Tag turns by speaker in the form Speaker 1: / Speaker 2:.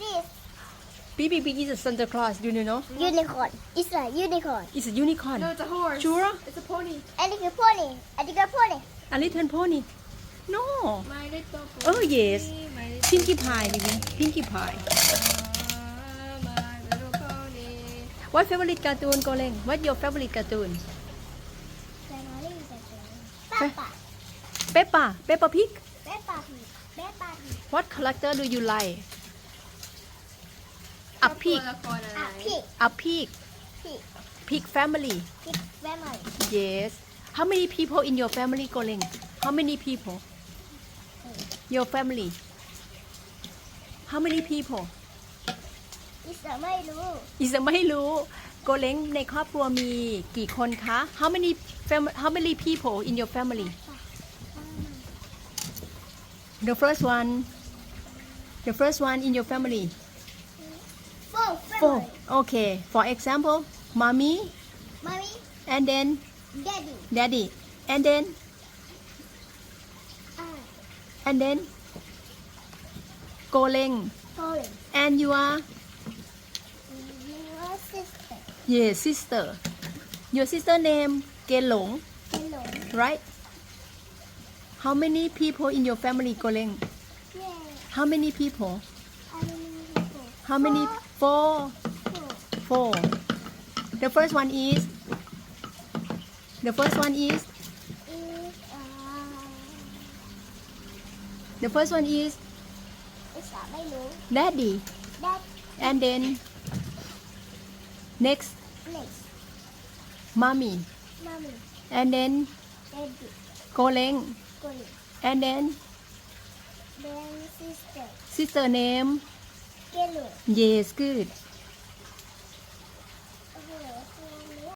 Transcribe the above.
Speaker 1: this?
Speaker 2: BBB is a Santa Claus. Do you know?
Speaker 1: Unicorn. It's a unicorn.
Speaker 2: It's a unicorn.
Speaker 3: No, it's a horse.
Speaker 2: Sure?
Speaker 3: It's a pony.
Speaker 1: And it's a pony. And it's a pony.
Speaker 2: A little pony. No.
Speaker 3: My little pony.
Speaker 2: Oh yes.
Speaker 3: My little
Speaker 2: Pinkie Pie, baby. Pinkie Pie.
Speaker 3: my little pony.
Speaker 2: What favorite cartoon, Goleng? What's your favorite cartoon?
Speaker 1: Family is a Peppa.
Speaker 2: Peppa. Peppa Pig.
Speaker 1: Peppa Pig. Peppa Pig.
Speaker 2: What character do you like? A pig.
Speaker 3: ตัวละครอะไร
Speaker 1: A pig.
Speaker 2: A pig.
Speaker 1: Pig.
Speaker 2: Pig family.
Speaker 1: Pig family.
Speaker 2: Yes. How many people in your family, Goleng? How many people? Your family. How many people?
Speaker 1: It's a ไม่รู้
Speaker 2: อีสไม่รู้โกเล้งในครอบครัวมีกี่คนคะ How many people in your family? The first one in your family.
Speaker 1: Four
Speaker 2: Four.
Speaker 1: family.
Speaker 2: Okay. For example, mommy
Speaker 1: Mommy.
Speaker 2: and then
Speaker 1: Daddy.
Speaker 2: daddy and then
Speaker 1: And
Speaker 2: โกเล้ง
Speaker 1: Colin.
Speaker 2: and your
Speaker 1: Your sister.
Speaker 2: sister. Your sister name เกหลง
Speaker 1: Hello.
Speaker 2: right? How many people in your family, โกเล้ง
Speaker 1: Yeah.
Speaker 2: How many people?
Speaker 1: How many people?
Speaker 2: How many? Four.
Speaker 1: Four.
Speaker 2: Four. The first one is. The first one is.
Speaker 1: Is
Speaker 2: The first one is
Speaker 1: is a ไม่รู้
Speaker 2: daddy.
Speaker 1: That
Speaker 2: And then next
Speaker 1: next.
Speaker 2: mommy.
Speaker 1: Mommy.
Speaker 2: And then
Speaker 1: Daddy.
Speaker 2: โกเล้ง
Speaker 1: Colin.
Speaker 2: And then
Speaker 1: Then sister.
Speaker 2: sister name.
Speaker 1: Hello.
Speaker 2: Yes, good.